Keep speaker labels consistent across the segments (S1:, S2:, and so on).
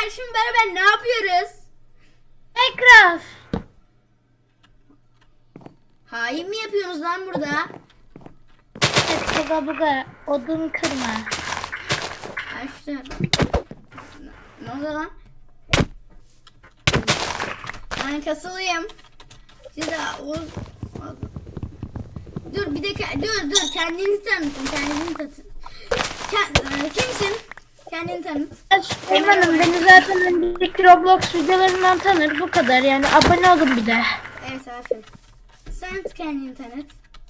S1: Arkadaşlar şimdi beraber ne yapıyoruz?
S2: Minecraft.
S1: Hain mi yapıyorsunuz lan burada?
S2: Buga buga odun kırma.
S1: Arkadaşlar. Ne oldu lan? Ben kasılayım. Size dur bir dakika dur kendinizi tanıtın kimsin? Kendini tanıt.
S2: Süleyman'ım beni zaten önceki Roblox videolarından tanır, bu kadar yani, abone olun bir de.
S1: Evet aferin. Sen kendini tanıt.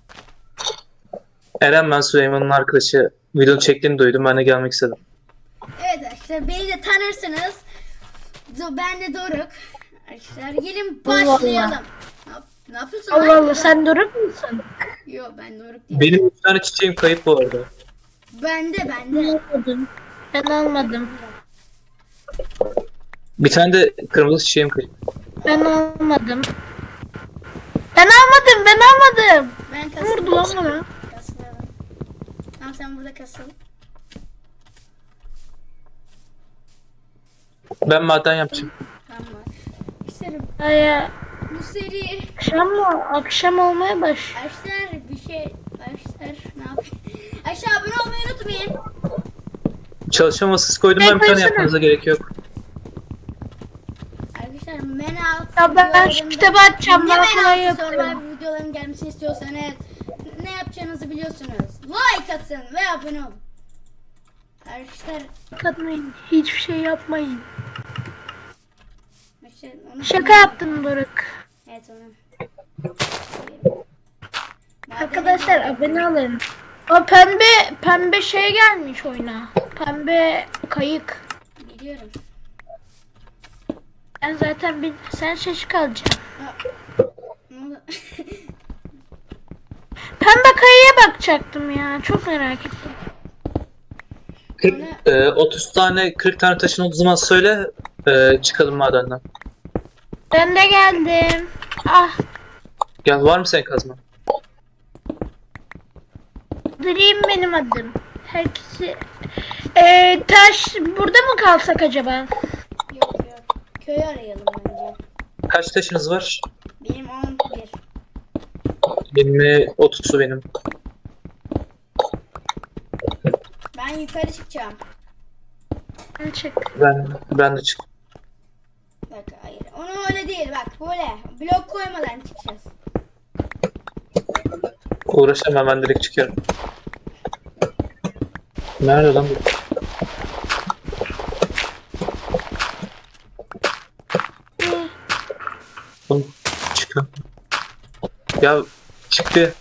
S3: Eren, ben Süleyman'ın arkadaşı. Video çektiğini duydum. Ben de gelmek istedim.
S1: Evet arkadaşlar beni de tanırsınız. Ben de Doruk. Arkadaşlar gelin başlayalım. Ne yapıyorsun
S2: Allah
S1: lan?
S2: Allah, sen Doruk musun?
S1: Yok ben Doruk değilim.
S3: Benim 3 tane çiçeğim kayıp bu arada.
S1: Ben de.
S2: Almadım. Ben almadım.
S3: Bir tane de kırmızı çiçeğim kayıp.
S2: Ben almadım. Ben almadım.
S1: Ben
S2: Vurdu lan bana.
S1: kasılalım. Tamam sen burada kasıl.
S3: Ben maden yapacağım.
S1: Tamam. İşte
S2: Aya
S1: bu seri
S2: akşam mı? Akşam olmaya baş.
S1: arkadaşlar ne yapayım? Aşağı abone olmayı unutmayın.
S3: Çalışma masası koydum, ben bir tane
S2: koysana.
S3: yapmanıza gerek yok.
S1: Arkadaşlar men alt
S2: Ya ben şu
S1: videolarında-
S2: kitabı açacağım,
S1: Ne
S2: bana
S1: men
S2: kolay
S1: altı
S2: yapıyorum.
S1: Survivor videoların gelmesini istiyorsanız ne yapacağınızı biliyorsunuz. Like atın ve abone olun. Arkadaşlar
S2: Katmayın. Hiçbir şey yapmayın.
S1: onu
S2: Şaka yaptım Doruk.
S1: Evet onu.
S2: Arkadaşlar abone olun. O pembe şey gelmiş oyuna. Pembe kayık.
S1: Biliyorum.
S2: Ben zaten sen şaşık alacaksın.
S1: Ne oldu?
S2: Pembe kayıya bakacaktım ya. Çok merak ettim.
S3: 30 tane 40 tane taşın olduğu zaman söyle, çıkalım madenden.
S2: Ben de geldim. Ah,
S3: Gel, var mı senin kazma?
S2: Dream benim adım. Herkesi... taş burada mı kalsak acaba?
S1: Yok. Köyü arayalım bence.
S3: Kaç taşınız var?
S1: Benim 11.
S3: 20, 30'u benim.
S1: Ben yukarı çıkacağım.
S2: Ben çık.
S3: Ben de çık.
S1: Bak hayır. Onu öyle değil bak böyle. Blok koymadan çıkacağız.
S3: Uğraşamam, ben direkt çıkıyorum. Nerede lan bu? Oğlum, çıkın. Ya çıktı.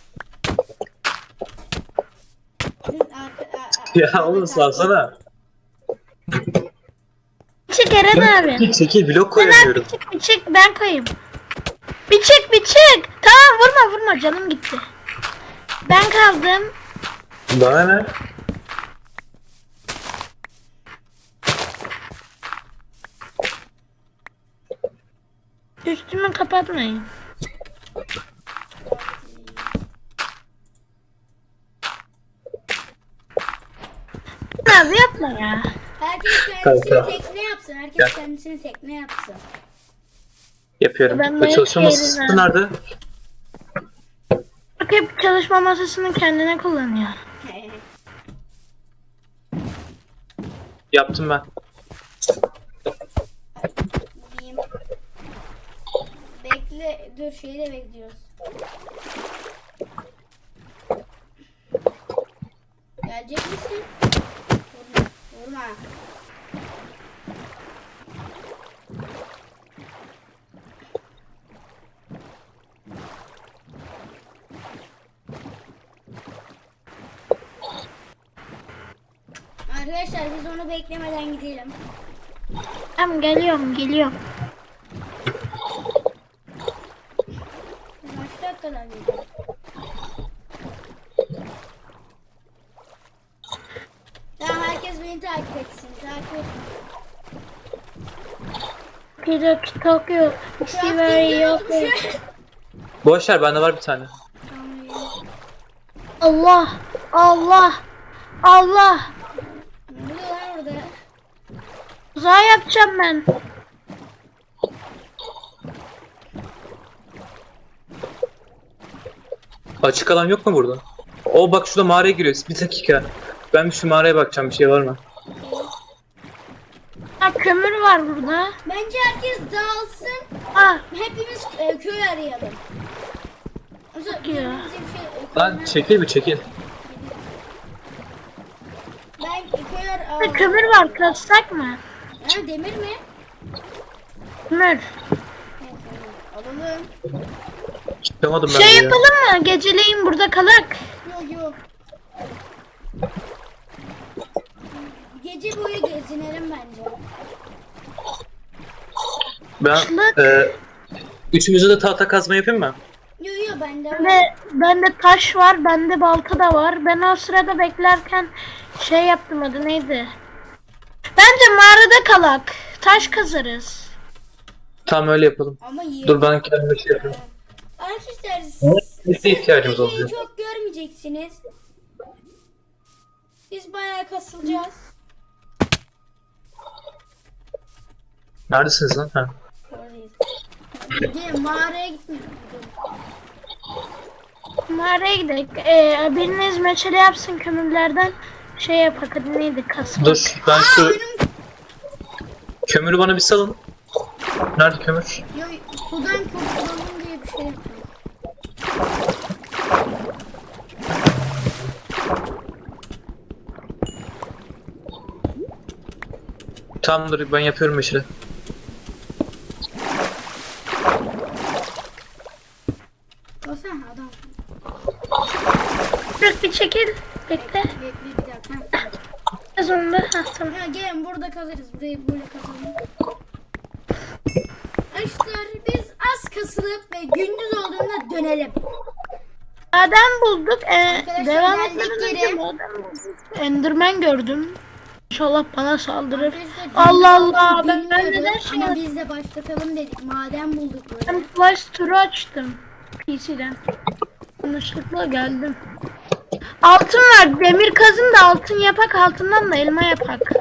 S3: Ya oğlum salsana.
S2: Çık Eren abi.
S3: Çekil, blok
S2: Eren
S3: koyamıyorum.
S2: bir çık ben koyayım. Bir çık. Tamam vurma canım gitti. Ben kaldım.
S3: Bana ne?
S2: Üstümü kapatmayın. Abi yapma ya.
S1: Herkes kendisini
S3: Kanka.
S1: tekne yapsın. Herkes
S3: Gel.
S1: kendisini tekne yapsın.
S3: Yapıyorum.
S2: Ben
S3: Bu çalışma
S2: belki
S3: masası
S2: yerine-
S3: nerede?
S2: Bak hep çalışma masasını kendine kullanıyor.
S3: Yaptım ben.
S1: Diyeyim. Bekle. Dur şeyi de bekliyoruz. Gelecek misin? Vurma. Arkadaşlar biz onu beklemeden gidelim.
S2: Tamam geliyorum.
S1: Kaç dakikadan gidelim? Tamam herkes beni takip etsin. Takip et.
S2: Pidok Tokyo. Siveri yok.
S3: Boş ver, bende var bir tane.
S2: Allah.
S1: Ne oluyor lan orada?
S2: Uzağa yapacağım ben.
S3: Açık alan yok mu burada? O bak şurada mağaraya giriyor. Bir dakika. Ben bir şu mağaraya bakacağım, bir şey var mı?
S2: Ha, kömür var burada.
S1: Bence herkes dağılsın.
S2: Ha,
S1: Hepimiz köy arayalım. O zaman
S2: ya.
S1: birbirimize bir şey,
S3: Lan çekil bir çekil.
S1: Ben köy
S2: burada kömür var. Kazsak mı?
S1: Ha, demir mi?
S2: Kömür.
S1: Evet, alalım.
S3: Çıkamadım ben
S2: Şey
S3: de ya.
S2: yapalım mı? Geceleyin burada kalak.
S1: Yok yok. Gece boyu gezinelim bence.
S3: Ben
S2: Bak.
S3: üçümüzü de tahta kazma yapayım mı?
S1: Yok yok bende var.
S2: Bende taş var. Bende balta da var. Ben o sırada beklerken şey yaptım, adı neydi? Bence mağarada kalak. Taş kazarız.
S3: Tamam öyle yapalım.
S1: Ama iyi.
S3: Dur ben kendime şey yapayım.
S1: Arkadaşlar
S3: Biz de ihtiyacımız
S1: Ege'yi
S3: olacak.
S1: çok görmeyeceksiniz. Biz bayağı kasılacağız.
S3: Neredesiniz lan? Ha.
S1: Oradayız. Gelin mağaraya gitmiyoruz.
S2: Mağaraya gidelim. Biriniz meşale yapsın kömürlerden. Şey yapak, adı neydi? Kasmak.
S3: Dur ben şu
S1: Benim
S3: kömürü bana bir salın. Nerede kömür?
S1: yok, sudan kurtulalım diye bir şey yapıyorum.
S3: Tamam dur ben yapıyorum meşale.
S1: O sen adam.
S2: Bırak bir çekil. Bekle.
S1: Bekle bir dakika. Ha.
S2: Az onda. Ha, tamam.
S1: Ya gelin burada kalırız. Burayı böyle kazalım. Arkadaşlar biz az kasılıp ve gündüz olduğunda dönelim.
S2: Maden bulduk.
S1: Arkadaşlar,
S2: Devam
S1: geldik
S2: etmeden
S1: geri.
S2: önce maden bulduk. Enderman gördüm. İnşallah bana saldırır.
S1: Arkadaşlar,
S2: Allah
S1: gündüz
S2: Allah.
S1: olduğunu
S2: Ben neden
S1: bilmiyorduk
S2: şey
S1: ama
S2: yaptım?
S1: biz de başlatalım dedik. Maden bulduk böyle.
S2: Ben flash turu açtım. PC'den. Yanlışlıkla geldim. Altın var. Demir kazın da altın yapak. Altından da elma yapak.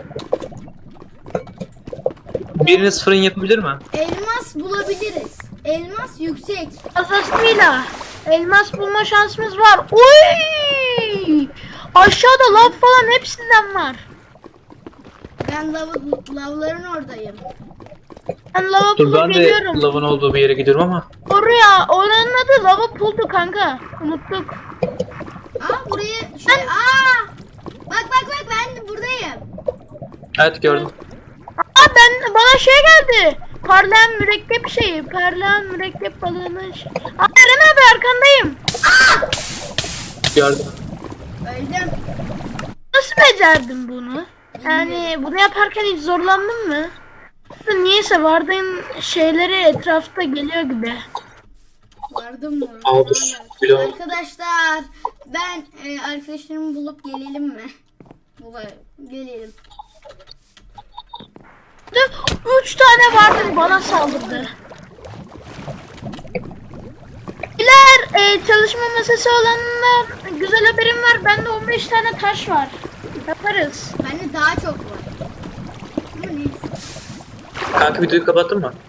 S3: Biriniz fırın yapabilir mi?
S1: Elmas bulabiliriz. Elmas yüksek.
S2: Fazlasıyla elmas bulma şansımız var. Uy! Aşağıda lav falan hepsinden var.
S1: Ben lavların oradayım.
S2: Ben lava
S3: Dur
S2: pulu
S3: ben de
S2: geliyorum.
S3: lavın olduğu bir yere gidiyorum ama.
S2: Oraya, oranın adı lava puldu kanka. Unuttuk.
S1: Aa buraya şey bak ben de buradayım.
S3: Evet gördüm.
S2: Bana şey geldi. Parlayan mürekkep şeyi. Parlayan mürekkep balığının şeyi. Eren abi arkandayım.
S3: Gördüm.
S1: Öldüm.
S2: Nasıl becerdin bunu? Yani bunu yaparken hiç zorlandın mı? Niyeyse vardığın şeyleri etrafta geliyor gibi.
S1: Vardım mı?
S3: Aa, dur. Bir daha.
S1: Arkadaşlar ben arkadaşlarımı bulup gelelim mi? Gelelim.
S2: 3 tane vardı bana saldırdı. İler çalışma masası olanlar güzel haberim var. Bende 15 tane taş var. Yaparız.
S1: Bende daha çok var. Ama neyse.
S3: Kanka videoyu kapattın mı?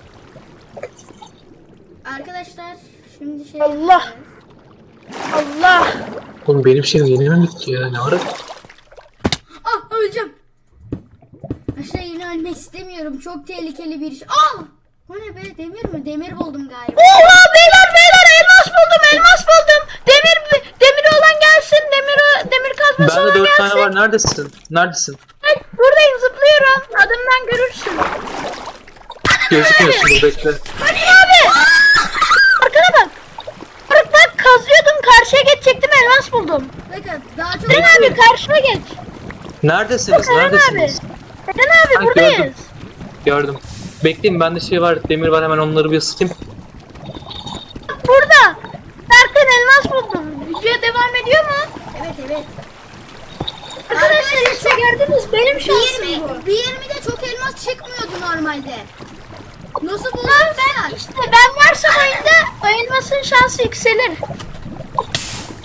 S1: Arkadaşlar şimdi şey
S2: Allah.
S1: yapacağız.
S2: Allah.
S3: Oğlum benim şeyim yeni mi bitti ya? Ne ara?
S1: Öleceğim. Aşağı yine ölmek istemiyorum. Çok tehlikeli bir iş. O ne be, demir mi? Demir buldum galiba.
S2: Oha beyler elmas buldum. Demiri olan gelsin. Demir kazması
S3: Bende
S2: olan
S3: 4
S2: gelsin.
S3: tane var. Neredesin? Neredesin?
S2: Ay, buradayım, zıplıyorum. Adımdan görürsün.
S3: Gözükmüyorsun dur bekle.
S2: Hadi abi. Arkana bak. Bak kazıyordum, karşıya geçecektim, elmas buldum.
S1: Bakın daha çok
S2: Eren abi karşıma geç.
S3: Neredesiniz?
S2: Eren abi.
S3: Neredesiniz?
S2: Eren abi
S3: Ha,
S2: buradayız.
S3: gördüm. Gördüm. Bekleyin bende şey var. Demir var hemen onları bir ısıtayım.
S2: Bak burada. Derken elmas buldum. Video devam ediyor mu?
S1: evet.
S2: Arkadaşlar işte gördünüz, benim şansım bu.
S1: Bir 20'de çok elmas çıkmıyordu normalde. Nasıl buldun sen?
S2: İşte ben varsam oyunda o elmasın şansı yükselir.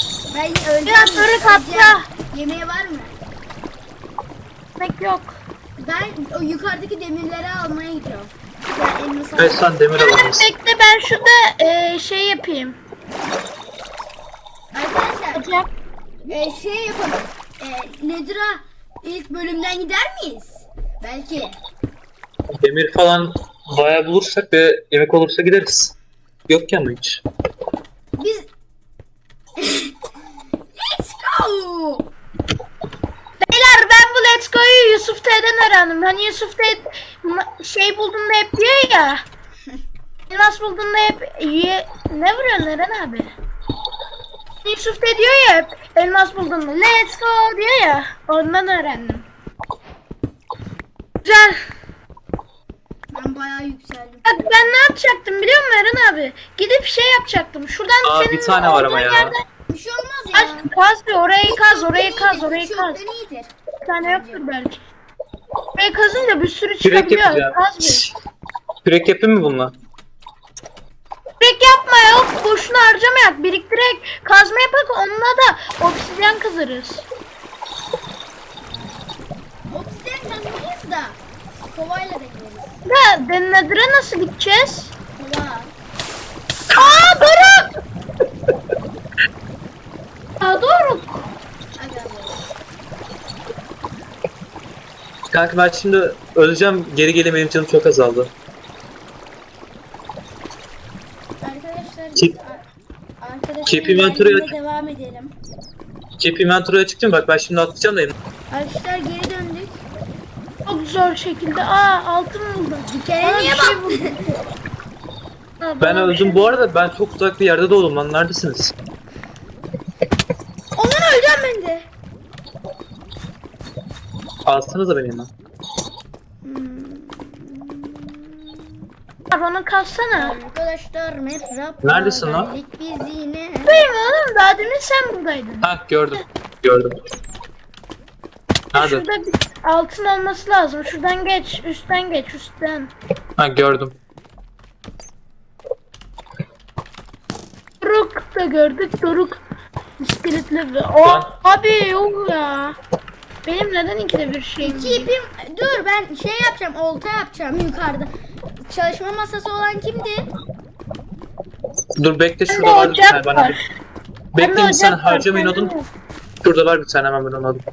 S1: Ben öleceğim.
S2: Biraz sonra katla.
S1: Yemeği var mı?
S2: Pek yok.
S1: Ben o yukarıdaki demirleri almaya gidiyorum. Ya elmas
S3: Evet sen demir alamazsın.
S2: Bekle ben şurada şey yapayım.
S1: Arkadaşlar şey yapalım. Nedir'a ilk bölümden gider miyiz? Belki.
S3: Demir falan bayağı bulursak ve yemek olursa gideriz. Yok ki ama hiç.
S1: Biz Let's go.
S2: Beyler ben bu Let's Go'yu Yusuf T'den öğrendim. Hani Yusuf T şey bulduğunda hep diyor ya. Elmas bulduğunda hep ne vuruyorsun Eren abi? Yusuf T diyor ya hep elmas bulduğunda Let's Go diyor ya. Ondan öğrendim. Güzel.
S1: Ben bayağı yükseldim.
S2: Bak ben ne yapacaktım biliyor musun Eren abi? Gidip şey yapacaktım. Şuradan
S3: Aa,
S2: senin
S3: bir tane var ama
S2: olduğun
S3: ya.
S2: yerden
S1: Bir şey olmaz ya.
S2: kaz bir orayı kaz, orayı
S1: Çoktan
S2: kaz,
S1: iyidir,
S2: orayı kaz.
S1: çoktan iyidir.
S2: Bir tane yoktur belki. Orayı kazınca bir sürü
S3: Kürek
S2: çıkabiliyor.
S3: yapacağım.
S2: Kaz bir.
S3: Kürek yapayım mı bununla?
S2: Kürek yapma yok. Boşuna harcamayak. Biriktirek kazma yapak onunla da obsidyen kazarız.
S1: Obsidian kazmayız da kovayla da gideriz.
S2: Da Dennedir'e nasıl gideceğiz?
S1: Kova.
S2: Aa Doruk! Aa Doruk!
S1: Aga be.
S3: Kanka ben şimdi öleceğim. Geri gelemeyim, canım çok azaldı.
S1: Arkadaşlar
S3: Keep-
S1: biz arkadaşlar
S3: keep inventory
S1: ilerlemeye devam edelim.
S3: Keep inventory'a çıktım, bak ben şimdi atlayacağım da
S1: Arkadaşlar geri döndük.
S2: Çok zor şekilde. Aa altın buldum.
S1: Dikene
S2: Aa,
S1: niye
S2: bir şey
S1: bak?
S2: buldum. Aa,
S3: ben
S2: bana bir
S3: öldüm
S2: şey-
S3: bu arada. Ben çok uzak bir yerde doğdum lan, neredesiniz?
S1: Ondan öleceğim ben de.
S3: Alsanıza beni hemen.
S2: Bana kalsana.
S1: Arkadaşlar Metrap.
S3: Neredesin lan?
S1: geldik Biz yine.
S2: Buradayım oğlum. Daha demin sen buradaydın.
S3: Ha gördüm. Gördüm. Nerede?
S2: Şurada bir altın olması lazım. Şuradan geç. Üstten geç. Üstten.
S3: Ha gördüm.
S2: Doruk da gördük. Doruk. İskeletli ve... O
S3: Lan.
S2: abi yok ya. Benim neden ikide bir şeyim?
S1: İki ipim. Dur ben şey yapacağım. Olta yapacağım yukarıda. Çalışma masası olan kimdi?
S3: Dur bekle, şurada
S2: Bende
S3: var bir
S2: ocak
S3: tane bana.
S2: var.
S3: Bekle
S2: Bende
S3: bir saniye,
S2: ocak var,
S3: harcamayın
S2: bende
S3: odun.
S2: yok.
S3: Şurada var bir tane, hemen ben onu alayım.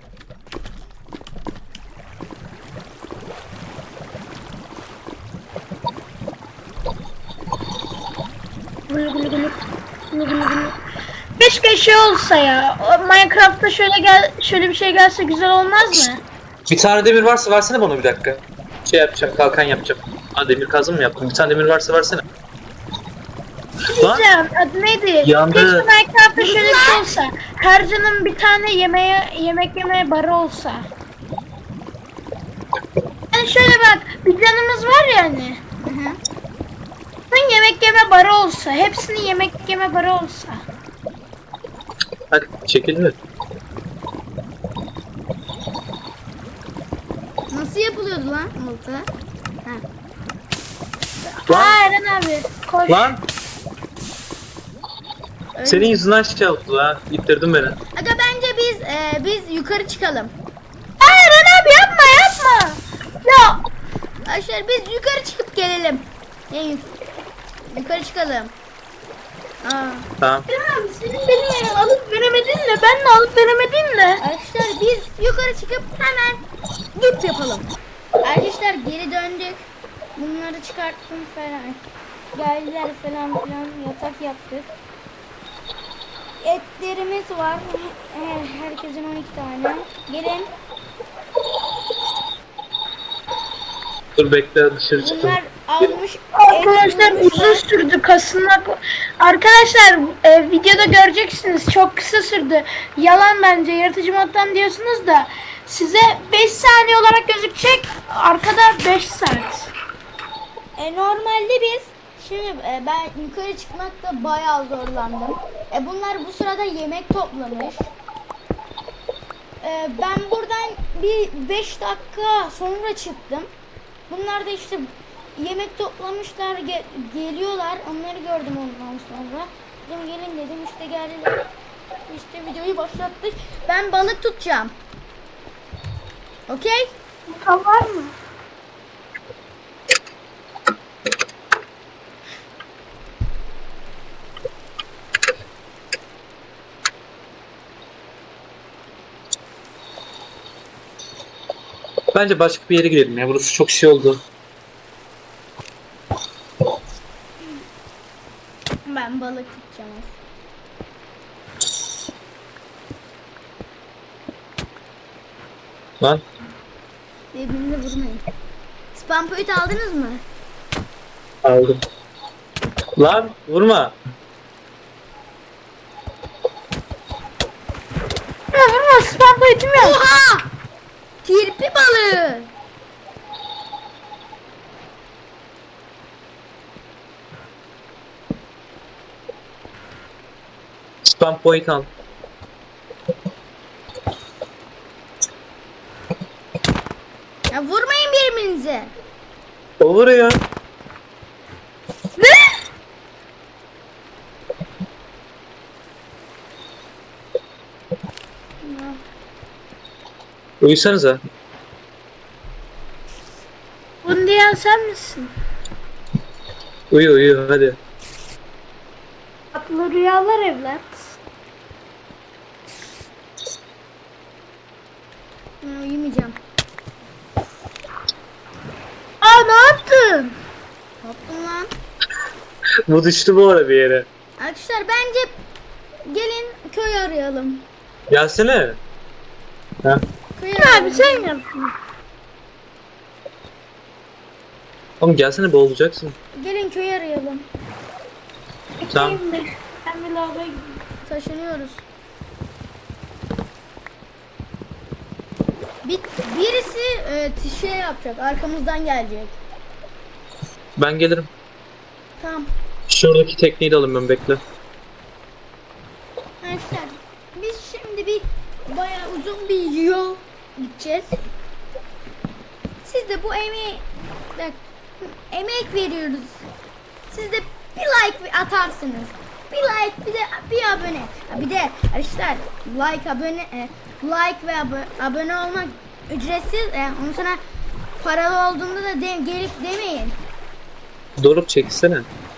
S2: Gülü gülü gülü. Gülü gülü gülü. Keşke şey olsa ya. O Minecraft'ta şöyle bir şey gelse güzel olmaz mı?
S3: Bir tane demir varsa versene bana, bir dakika. Şey yapacağım, kalkan yapacağım. Ha, demir kazım mı yaptım? Bir tane demir varsa versene. Lan
S2: Diyeceğim adı neydi?
S3: Yandı.
S2: Keşke Minecraft'ta şöyle bir şey olsa. Her canın bir tane yemek yemeye barı olsa. Yani şöyle bak, bir canımız var ya hani.
S1: Hı hı.
S2: Bunun yemek yeme barı olsa, hepsinin yemek yeme barı olsa.
S3: hadi çekil mi?
S1: Nasıl yapılıyordu lan olta? Ha.
S3: Lan,
S2: Aa Eren abi, koş.
S3: lan
S1: Öyle.
S3: senin yüzünden şey oldu ha. İttirdin beni.
S1: Aga bence biz yukarı çıkalım.
S2: Aa Eren abi yapma yapma. Ya
S1: Arkadaşlar biz yukarı çıkıp gelelim. Yukarı çıkalım. Aa.
S3: Tamam.
S2: Eren abi senin beni alıp veremedin de ben de alıp veremedim de.
S1: Arkadaşlar biz yukarı çıkıp hemen güp yapalım. Arkadaşlar geri döndük. Bunları çıkarttım falan. Geldiler falan filan yatak yaptık. Etlerimiz var. Herkesin 12 tane. Gelin.
S3: Dur bekle, dışarı çıktım.
S1: Bunlar almış.
S2: Arkadaşlar
S1: et
S2: uzun
S1: bulmuşlar.
S2: sürdü kasılmak. Arkadaşlar videoda göreceksiniz çok kısa sürdü. Yalan bence yaratıcı moddan diyorsunuz da size 5 saniye olarak gözükecek. Arkada 5 saat.
S1: Normalde biz şimdi ben yukarı çıkmakta bayağı zorlandım. Bunlar bu sırada yemek toplamış. Ben buradan bir 5 dakika sonra çıktım. Bunlar da işte yemek toplamışlar, geliyorlar. Onları gördüm ondan sonra. Dedim gelin dedim, işte geldiler. İşte videoyu başlattık. Ben balık tutacağım. Okey?
S2: Muta var mı?
S3: Bence başka bir yere gidelim ya. Burası çok şey oldu.
S1: Ben balık tutacağım.
S3: Lan.
S1: Birbirini vurmayın. Spam point aldınız mı?
S3: Aldım. Lan vurma.
S2: Ya vurma, spam boyutum yok.
S1: Oha! Kirpi balığı.
S3: Spam point al.
S1: Ya vurmayın birbirinize.
S3: O vuruyor.
S2: Ne?
S3: Uyusanıza.
S2: Bunu diyen sen misin?
S3: Uyu uyu hadi.
S2: Tatlı rüyalar evlat.
S1: Uyumayacağım.
S2: Aa, ne yaptın?
S1: Korktum lan.
S3: Bu düştü bu arada bir yere.
S1: Arkadaşlar bence gelin köy arayalım.
S3: Gelsene. Ha.
S1: Köy
S2: Abi
S1: arayalım.
S2: sen yaptın.
S3: Oğlum gelsene boğulacaksın.
S1: Gelin köy arayalım.
S3: Tamam.
S2: Ben bir lavaboya gideyim.
S1: Taşınıyoruz. Birisi şey yapacak. Arkamızdan gelecek.
S3: Ben gelirim.
S1: Tamam.
S3: Şuradaki tekneyi de alayım ben bekle.
S1: Arkadaşlar biz şimdi bayağı uzun bir yol gideceğiz. Siz de bu emek veriyoruz. Siz de bir like atarsınız. Bir like bir de bir abone. Ha, bir de arkadaşlar like ve abone olmak ücretsiz. Ondan sonra paralı olduğunda da gelip demeyin.
S3: Doruk çeksene.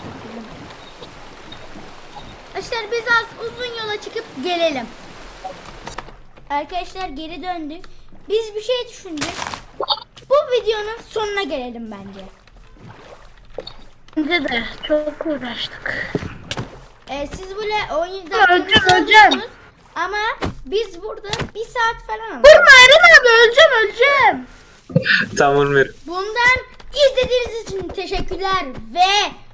S1: Arkadaşlar biz az uzun yola çıkıp gelelim. Arkadaşlar geri döndük. Biz bir şey düşündük. Bu videonun sonuna gelelim bence.
S2: Bence de çok uğraştık.
S1: Siz böyle 17
S2: Öleceğim,
S1: dakika
S2: öleceğim.
S1: ama biz burada 1 saat falan aldık.
S2: Vurma Eren abi, öleceğim.
S3: Tamam ver.
S1: Bundan izlediğiniz için teşekkürler ve